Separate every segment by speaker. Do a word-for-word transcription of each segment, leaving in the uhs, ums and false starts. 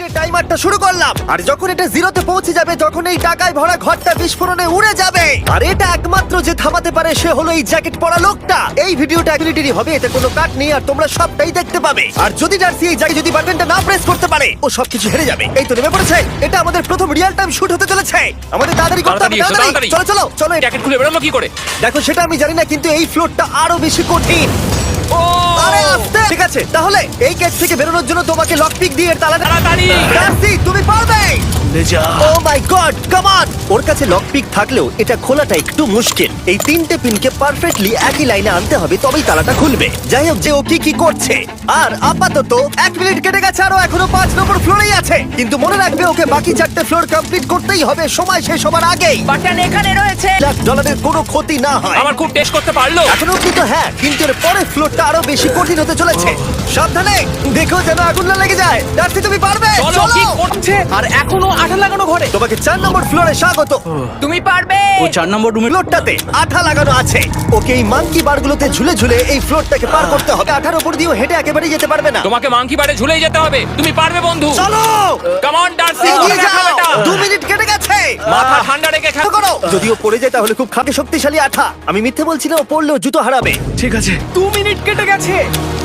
Speaker 1: মিনিটের টাইমারটা শুরু করলাম, আর যখন এটা জিরোতে পৌঁছে যাবে তখন এই টাকায় ভরা ঘরটা বিস্ফোরণে উড়ে যাবে। আর এটা একমাত্র যে থামাতে পারে সে হলো এই জ্যাকেট পরা লোকটা। এই ভিডিওটা অ্যাক্টিভিটি হবে, এতে কোনো কাট নেই আর তোমরা সবটাই দেখতে পাবে। আর যদি ডার্সি এই জায়গায় যদি বাটনটা না প্রেস করতে পারে ও সবকিছু হেরে যাবে। এই তো নেমে পড়েছে, এটা আমাদের প্রথম রিয়েল টাইম শুট হতে চলেছে। আমাদের তাড়াতাড়ি করতে হবে,
Speaker 2: তাড়াতাড়ি,
Speaker 1: তাড়াতাড়ি।
Speaker 2: তাড়াতাড়ি।
Speaker 1: চলো চলো চলো।
Speaker 2: জ্যাকেট খুলে বেরোলো কি করে?
Speaker 1: দেখো সেটা আমি জানি না, কিন্তু এই ফ্লোরটা আরো বেশি কঠিন।
Speaker 2: ও
Speaker 1: আরে আস্তে। ঠিক আছে, তাহলে এই গেট থেকে বেরোনোর জন্য তোমাকে লকপিক দিয়ে এর তালাটা।
Speaker 2: তাড়াতাড়ি।
Speaker 1: ডার্সি তুমি পারবে। ও মাই গড, কাম অন। ওর কাছে লকপিক থাকলেও এটা খোলাটা একটু মুশকিল। এই তিনটে পিনকে পারফেক্টলি একই লাইনে আনতে হবে, তবেই তালাটা খুলবে। যাই হোক, যে ও কি কি করছে। আর আপাতত এক মিনিট কেটে গেছে, আরো এখনো পাঁচ নম্বর ফ্লোরেই আছে। কিন্তু মনে রাখবে ওকে বাকি চারটে ফ্লোর কমপ্লিট করতেই হবে সময় শেষ হবার আগেই।
Speaker 3: বাটন এখানে রয়েছে।
Speaker 1: লাখ ডলারের কোনো ক্ষতি না হয়।
Speaker 2: আমার খুব টেস্ট করতে পারলো।
Speaker 1: এখনো অব্দি তো হ্যাঁ, কিন্তু এর পরের ফ্লোরটা আরো বেশি কঠিন হতে চলেছে। সাবধানে, দেখো যেন আগুন না লেগে যায়। ডার্সি তুমি পারবে।
Speaker 2: চলো, কি করছে?
Speaker 3: আর এখনো আঠা লাগানো ঘরে।
Speaker 1: তোমাকে চার নম্বর ফ্লোরে স্বাগত।
Speaker 3: তুমি পারবে।
Speaker 4: ও চার নম্বর রুমে
Speaker 1: ফ্লোরটাতে আঠা লাগানো আছে। ওকে এই মাঙ্কি বারগুলোতে ঝুলে ঝুলে এই ফ্লোরটাকে পার করতে হবে। আঠার উপর দিয়েও হেঁটে একেবারেই যেতে পারবে না।
Speaker 2: তোমাকে মাংকি বারে ঝুলেই যেতে হবে। তুমি পারবে বন্ধু।
Speaker 1: চলো
Speaker 2: কাম অন ডার্সি,
Speaker 1: এগিয়ে
Speaker 2: করে দেখাও
Speaker 1: যাও।
Speaker 2: এটা।
Speaker 1: দু মিনিট কেটে গেছে।
Speaker 2: মাথা ঠান্ডা রেখে
Speaker 1: খেয়াল
Speaker 2: খেলো।
Speaker 1: করো, যদিও পড়ে যায় তাহলে খুব খাঁটি শক্তিশালী আঠা। আমি মিথ্যে বলছি না, ও পড়লেও জুতো হারাবে।
Speaker 4: ঠিক আছে।
Speaker 3: দু মিনিট কেটে গেছে।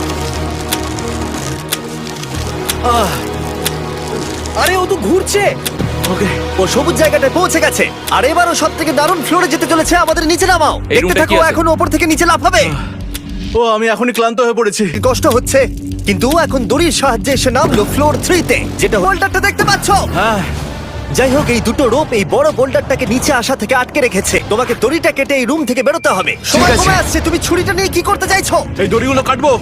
Speaker 3: আরে ও তো ঘুরছে।
Speaker 4: ওকে
Speaker 1: ও সবুজ জায়গাটায় পৌঁছে গেছে। আর এবারও সব থেকে দারুণ ফ্লোরে যেতে চলেছে। আমাদের নিচে নামাও।
Speaker 2: এই
Speaker 1: দেখতে
Speaker 2: রুমটা
Speaker 1: থাকো,
Speaker 2: কি আছে?
Speaker 1: এখন ওপর থেকে নিচে লাফাবে।
Speaker 4: ও আমি এখনই ক্লান্ত হয়ে পড়েছি।
Speaker 1: কষ্ট হচ্ছে, কিন্তু ও এখন দড়ির সাহায্যে এসে নামলো ফ্লোর থ্রিতে, যেটা হোল্ডারটা দেখতে পাচ্ছ।
Speaker 4: হ্যাঁ
Speaker 1: যাই হোক, এই দুটো রোপ এই বড় বোল্ডারটাকে নিচে আসা থেকে আটকে রেখেছে। তোমাকে দড়িটা কেটে এই রুম থেকে বেরোতে হবে। সময়
Speaker 4: আছে।
Speaker 1: কমে আসছে, তুমি ছুরিটা নিয়ে কি করতে চাইছো?
Speaker 4: এই দড়িগুলো কাটবো।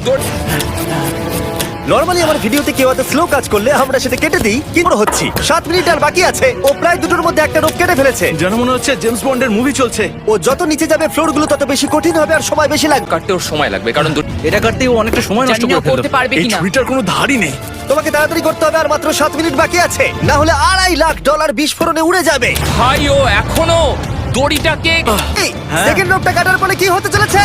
Speaker 1: নরমালি আমার ভিডিওতে কেউ এত স্লো কাজ করলে আমরা সেটা কেটে দিই, কিন্তু হচ্ছি সাত মিনিট আর বাকি আছে। ও প্রায় দুটোর মধ্যে একটা রোপ কেটে ফেলেছে।
Speaker 4: যেন মনে হচ্ছে জেমস বন্ডের মুভি চলছে।
Speaker 1: ও যত নিচে যাবে ফ্লোর গুলো তত বেশি কঠিন হবে আর সময় বেশি লাগবে।
Speaker 2: কাটতে ওর সময় লাগবে কারণ দু-
Speaker 4: এটা কাটতে ও অনেকটা সময় নষ্ট
Speaker 3: জানি না
Speaker 4: করে ফেললো।
Speaker 3: করতে পারবে
Speaker 4: এই
Speaker 3: কিনা।
Speaker 4: ছুরিটার কোনো ধারই নেই।
Speaker 1: তোমাকে তাড়াতাড়ি করতে হবে, আর মাত্র সাত মিনিট বাকি আছে, না হলে আড়াই লাখ ডলার বিস্ফোরণে উড়ে যাবে।
Speaker 2: ভাই ও এখনো দড়িটাকে
Speaker 1: এই
Speaker 4: হ্যাঁ।
Speaker 1: সেকেন্ড রোপটা কাটার পরে কি হতে চলেছে?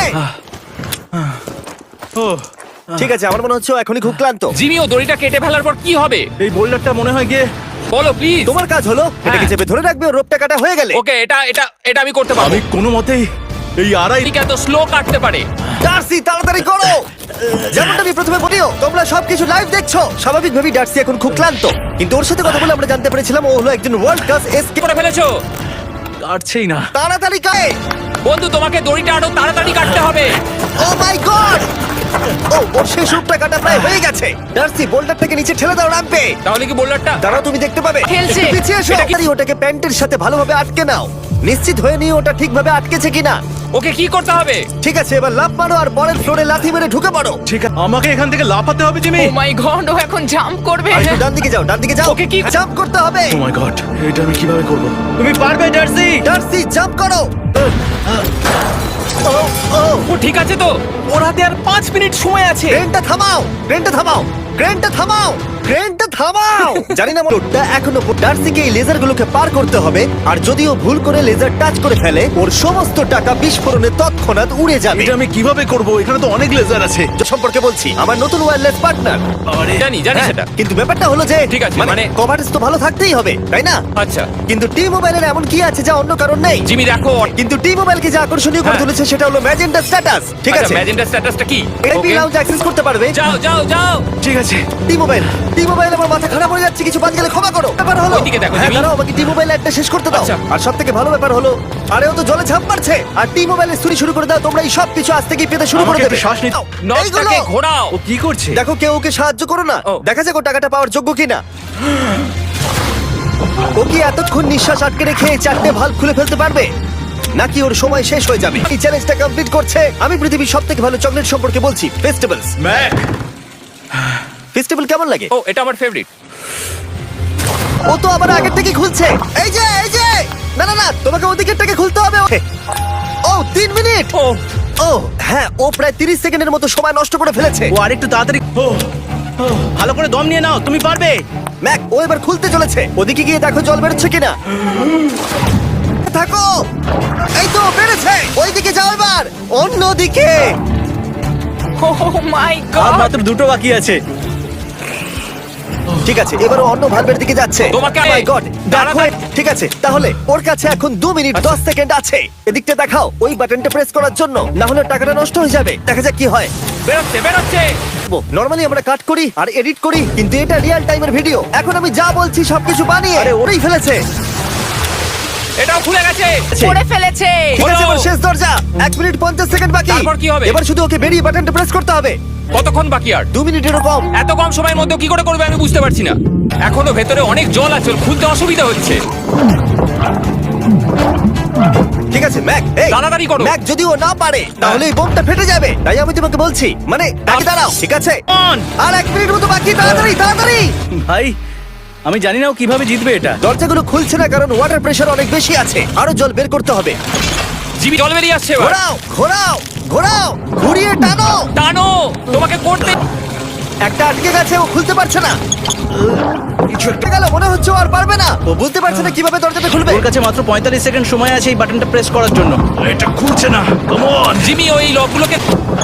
Speaker 4: ও
Speaker 1: ঠিক আছে, আমার মনে হচ্ছে ও এখনই খুব ক্লান্ত।
Speaker 2: জিমি ও দড়িটা কেটে ফেলার পর কি হবে?
Speaker 4: এই বোল্ডারটা মনে হয় গিয়ে
Speaker 2: বলো প্লিজ।
Speaker 1: তোমার কাজ হলো এটাকে চেপে ধরে রাখবে, ও রোপটা কাটা হয়ে গেলে।
Speaker 2: ওকে, এটা এটা এটা আমি করতে পারবো।
Speaker 4: আমি কোনো মতেই এই আড়াই
Speaker 2: ঠিক এত স্লো কাটতে পারে।
Speaker 1: ডার্সি তাড়াতাড়ি করো। যেমনটা আমি প্রথমে বলিও, তোমরা সবকিছু লাইভ দেখছো। স্বাভাবিকভাবেই ডার্সি এখন খুব ক্লান্ত, কিন্তু ওর সাথে কথা বলে আমরা জানতে পেরেছিলাম ও হলো একজন ওয়ার্ল্ড ক্লাস
Speaker 2: কি
Speaker 1: এসকেপ।
Speaker 2: করে ফেলেছো
Speaker 4: কাটছেই না।
Speaker 1: তাড়াতাড়ি কাটে।
Speaker 2: বন্ধু? তোমাকে দড়িটা আরো তাড়াতাড়ি কাটতে হবে।
Speaker 1: ও মাই গড! ও ওর শেষ রূপটা কাটা প্রায় হয়ে গেছে। ডার্সি বোল্ডারটাকে নিচে ঠেলে দাও, রাম্পে।
Speaker 2: তাহলে কি বোল্ডারটা?
Speaker 1: দাঁড়াও, তুমি দেখতে পাবে।
Speaker 3: ঠেলছে।
Speaker 1: একটু পিছিয়ে এসো। তাড়াতাড়ি ওটাকে প্যান্টের সাথে ভালোভাবে আটকে নাও। নিশ্চিত হয়ে নিয়ে ওটা ঠিকভাবে আটকেছে কিনা।
Speaker 2: ওকে কি করতে হবে?
Speaker 1: ঠিক আছে, এবার লাফ মারো আর পরের ফ্লোরে লাথি মেরে ঢুকে পড়ো।
Speaker 4: ঠিক আছে, আমাকে এখান থেকে লাফাতে হবে জিমি।
Speaker 3: ও মাই গড, ও এখন জাম্প করবে।
Speaker 1: আর একটু ডান দিকে যাও, ডান দিকে যাও।
Speaker 2: ওকে কি-
Speaker 1: জাম্প করতে হবে।
Speaker 4: ও মাই গড, এটা আমি কিভাবে করব? তুমি পারবে ডার্সি।
Speaker 1: ডার্সি জাম্প করো। ও ও
Speaker 2: ও ঠিক আছে তো?
Speaker 3: ওর হাতে আর পাঁচ মিনিট সময় আছে।
Speaker 1: ক্রেনটা থামাও, ক্রেনটা থামাও, ক্রেনটা থামাও, ক্রেনটা থামাও। জানি না মোটটা এখনো ডার্সিকে এই লেজারগুলোকে পার করতে হবে, আর যদিও ভুল করে লেজার টাচ করে ফেলে ওর সমস্ত টাকা বিস্ফোরণে তৎক্ষণাৎ উড়ে যাবে।
Speaker 4: এটা আমি কিভাবে করব? এখানে তো অনেক লেজার আছে।
Speaker 1: সম্পর্কে বলছি, আমার নতুন ওয়্যারলেস পার্টনার।
Speaker 4: আরে
Speaker 2: জানি জানি সেটা।
Speaker 1: কিন্তু ব্যাপারটা হলো যে
Speaker 2: ঠিক আছে,
Speaker 1: মানে
Speaker 2: মানে-
Speaker 1: কভারেজ তো ভালো থাকতেই হবে, তাই না?
Speaker 2: আচ্ছা
Speaker 1: কিন্তু টি মোবাইলের এমন কি আছে যা অন্য কারণ নেই?
Speaker 2: জিমি দেখো।
Speaker 1: কিন্তু টি মোবাইলকে যে আকর্ষণীয় করে
Speaker 2: হ্যাঁ।
Speaker 1: তুলেছে সেটা হলো ম্যাজেন্টা স্ট্যাটাস। ঠিক আছে,
Speaker 2: ম্যাজেন্টা স্ট্যাটাসটা কি?
Speaker 1: এপি
Speaker 2: ওকে,
Speaker 1: লাউঞ্জ অ্যাক্সেস করতে পারবে।
Speaker 2: যাও যাও যাও।
Speaker 4: ঠিক আছে।
Speaker 1: টি মোবাইল, টি মোবাইল আমার মাথা খারাপ হয়ে যাচ্ছে, কিছু বাদ গেলে ক্ষমা করো। ব্যাপার হলো
Speaker 2: ওইদিকে দেখো,
Speaker 1: হ্যাঁ,
Speaker 2: জিমি।
Speaker 1: দাঁড়াও, আমাকে টি মোবাইল একটা শেষ করতে দাও।
Speaker 2: আচ্ছা।
Speaker 1: আর সব থেকে ভালো ব্যাপার হলো, আরে ও তো জলে ঝাঁপ মারছে, আর টি মোবাইলের চুরি শুরু করে দাও। তোমরা এই সব কিছু আজ থেকেই পেতে শুরু করে
Speaker 4: আমাকে
Speaker 1: দেবে।
Speaker 4: একটু শ্বাস নিতে-
Speaker 1: নাও, এইগুলো।
Speaker 2: নটটাকে ঘোরাও।
Speaker 4: ও কি করছে?
Speaker 1: দেখো কেউ ওকে সাহায্য করো না।
Speaker 2: ও।
Speaker 1: দেখা যাক ও টাকাটা পাওয়ার যোগ্য কিনা। ও কি এতক্ষণ নিঃশ্বাস আটকে রেখে এই চারটে ভালভ খুলে ফেলতে পারবে, নাকি ওর সময় শেষ হয়ে যাবে? এই চ্যালেঞ্জটা কমপ্লিট করছে। আমি পৃথিবীর সব থেকে ভালো চকলেট সম্পর্কে বলছি, ফেস্টিভ্যালস।
Speaker 4: ম্যাক,
Speaker 1: ফেস্টিভ্যাল কেমন লাগে?
Speaker 2: ও এটা আমার ফেভারিট।
Speaker 1: ও তো আবার আগের থেকে খুলছে। এই যে এই যে না না না, তোমাকে ওদিকেরটাকে খুলতে হবে। ও তিন মিনিট।
Speaker 2: ও
Speaker 1: ও হ্যাঁ, ও প্রায় তিরিশ সেকেন্ডের মতো সময় নষ্ট করে ফেলেছে।
Speaker 4: ও আরেকটু তাড়াতাড়ি। ও ও, ভালো করে দম নিয়ে নাও, তুমি পারবে।
Speaker 1: ম্যাক, ও এবার খুলতে চলেছে। ওদিকে গিয়ে দেখো জল বেরোচ্ছে কিনা। থাকো, এই তো বেড়েছে। ওইদিকে যাও এবার, অন্যদিকে।
Speaker 3: ও মাই
Speaker 4: আর
Speaker 3: গড।
Speaker 4: মাত্র দুটো বাকি আছে। ও
Speaker 1: ঠিক আছে, এবার ও অন্য ভালভের দিকে যাচ্ছে।
Speaker 2: তোমাকে-
Speaker 1: Oh my God, দেখো,
Speaker 2: তাড়াতাড়ি-
Speaker 1: ঠিক আছে, তাহলে ওর কাছে এখন দু মিনিট দশ সেকেন্ড আছে। এদিকটা দেখাও ওই বাটনটা প্রেস করার জন্য, না হলে টাকাটা নষ্ট হয়ে যাবে। দেখা যাক কি হয়।
Speaker 2: বেরোচ্ছে বেরোচ্ছে
Speaker 1: নরমালি আমরা কাট করি আর এডিট করি, কিন্তু এটা রিয়েল টাইমের ভিডিও। এখন আমি যা বলছি সবকিছু বানিয়ে আরে ওরেই ফেলেছে।
Speaker 2: এটাও খুলে গেছে
Speaker 3: করে ফেলেছে।
Speaker 1: ঠিক আছে,
Speaker 2: হলো।
Speaker 1: এবার শেষ দরজা। এক মিনিট পঞ্চাশ সেকেন্ড বাকি।
Speaker 2: তারপর কি হবে?
Speaker 1: এবার শুধু ওকে বেরিয়ে বাটনটা প্রেস করতে হবে।
Speaker 2: কতক্ষণ বাকি আর?
Speaker 1: দু মিনিটেরও কম।
Speaker 2: এত কম সময়ের মধ্যে কি করে করবে আমি বুঝতে পারছি না। এখনো ভেতরে অনেক জল আছে, ওর খুলতে অসুবিধা হচ্ছে।
Speaker 1: ঠিক আছে ম্যাক, এই
Speaker 2: তাড়াতাড়ি করো।
Speaker 1: ম্যাক, যদি ও না পারে তাহলে এই বোমটা ফেটে যাবে। তাই আমি তোমাকে বলছি, মানে তাকে দাঁড়াও। ঠিক আছে,
Speaker 4: On!
Speaker 1: আর এক মিনিট মতো বাকি। তাড়াতাড়ি তাড়াতাড়ি।
Speaker 4: ভাই আমি জানি না ও কিভাবে জিতবে এটা।
Speaker 1: দরজাগুলো খুলছে না কারণ ওয়াটার প্রেশার অনেক বেশি আছে। আরো জল বের করতে হবে।
Speaker 2: জিমি জল বেরিয়ে আসছে এবার।
Speaker 1: ঘোরাও ঘোরাও ঘোরাও, ঘুরিয়ে টানো।
Speaker 2: টানো, তোমাকে করতে।
Speaker 1: একটা আটকে গেছে, ও খুলতে পারছে না। কিছু একটা গেল, মনে হচ্ছে ও আর পারবে না। ও বুঝতে পারছে না কিভাবে দরজাটা খুলবে।
Speaker 4: ওর কাছে মাত্র পঁয়তাল্লিশ সেকেন্ড সময় আছে এই বাটনটা প্রেস করার জন্য। এটা খুলছে না। Come on.
Speaker 2: জিমি ওই লকগুলোকে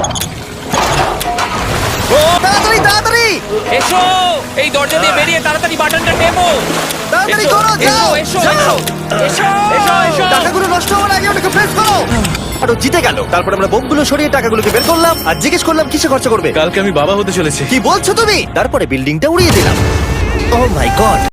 Speaker 1: ও তাড়াতাড়ি তাড়াতাড়ি
Speaker 2: এসো, এই দরজা দিয়ে বেরিয়ে তাড়াতাড়ি বাটনটা টেপো।
Speaker 1: তাড়াতাড়ি
Speaker 2: এসো,
Speaker 1: করো, যাও
Speaker 2: এসো, এসো,
Speaker 1: যাও।
Speaker 2: এসো, এসো, এসো।
Speaker 1: টাকাগুলো নষ্ট হওয়ার আগে ওটাকে প্রেস করো। আর ও জিতে গেল। তারপর আমরা বোমগুলো সরিয়ে টাকাগুলোকে বের করলাম আর জিজ্ঞেস করলাম কিসে খরচ করবে।
Speaker 4: কালকে আমি বাবা হতে চলেছি।
Speaker 1: কি বলছো তুমি? তারপরে বিল্ডিংটা উড়িয়ে দিলাম। Oh my god.